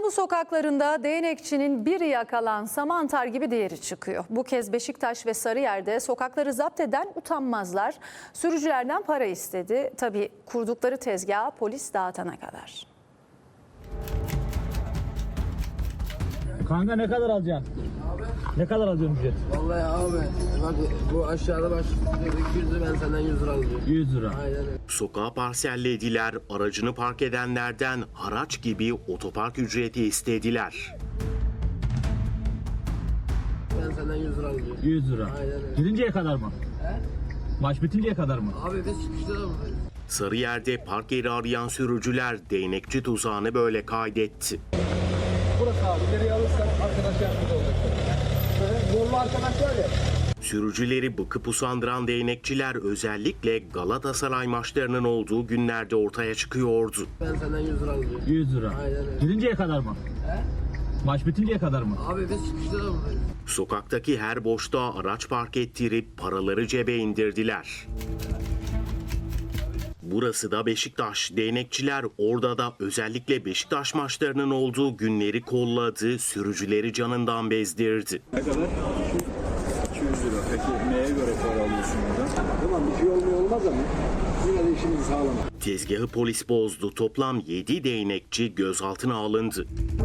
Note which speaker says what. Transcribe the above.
Speaker 1: İstanbul sokaklarında değnekçinin biri yakalansa mantar gibi diğeri çıkıyor. Bu kez Beşiktaş ve Sarıyer'de sokakları zapt eden utanmazlar sürücülerden para istedi. Tabii kurdukları tezgahı polis dağıtana kadar.
Speaker 2: Kanka ne kadar alacaksın?
Speaker 3: Abi.
Speaker 2: Ne kadar alacaksın ücret?
Speaker 3: Vallahi abi bak bu aşağıda başlıyor 200 lira, ben senden 100 lira alıyorum.
Speaker 2: 100 lira.
Speaker 3: Aynen öyle.
Speaker 4: Sokağa parsellediler, aracını park edenlerden haraç gibi otopark ücreti istediler.
Speaker 3: Ben senden 100 lira alıyorum.
Speaker 2: 100 lira.
Speaker 3: Aynen öyle.
Speaker 2: Gidinceye kadar mı?
Speaker 3: He?
Speaker 2: Maç bitinceye kadar mı?
Speaker 3: Abi biz çıkışta da buradayız.
Speaker 4: Sarıyer'de park yeri arayan sürücüler değnekçi tuzağını böyle kaydetti.
Speaker 5: Burası abi. İleriye alırsak arkadaş yardımcı olacak. Yollu arkadaş var ya.
Speaker 4: Sürücüleri bıkıp usandıran değnekçiler özellikle Galatasaray maçlarının olduğu günlerde ortaya çıkıyordu.
Speaker 3: Ben senden 100 lira alıyorum.
Speaker 2: 100 lira.
Speaker 3: Aynen öyle.
Speaker 2: Gidinceye kadar mı?
Speaker 3: He?
Speaker 2: Maç bitinceye kadar mı?
Speaker 3: Abi biz çıkışta da buradayız.
Speaker 4: Sokaktaki her boşluğa araç park ettirip paraları cebe indirdiler. Burası da Beşiktaş. Değnekçiler orada da özellikle Beşiktaş maçlarının olduğu günleri kolladı, sürücüleri canından bezdirdi.
Speaker 6: Ne kadar? 200 lira. Peki neye göre para alıyorsun buradan?
Speaker 5: Tamam bir şey olmuyor olmaz ama yine de işimizi sağlamak.
Speaker 4: Tezgahı polis bozdu. Toplam 7 değnekçi gözaltına alındı.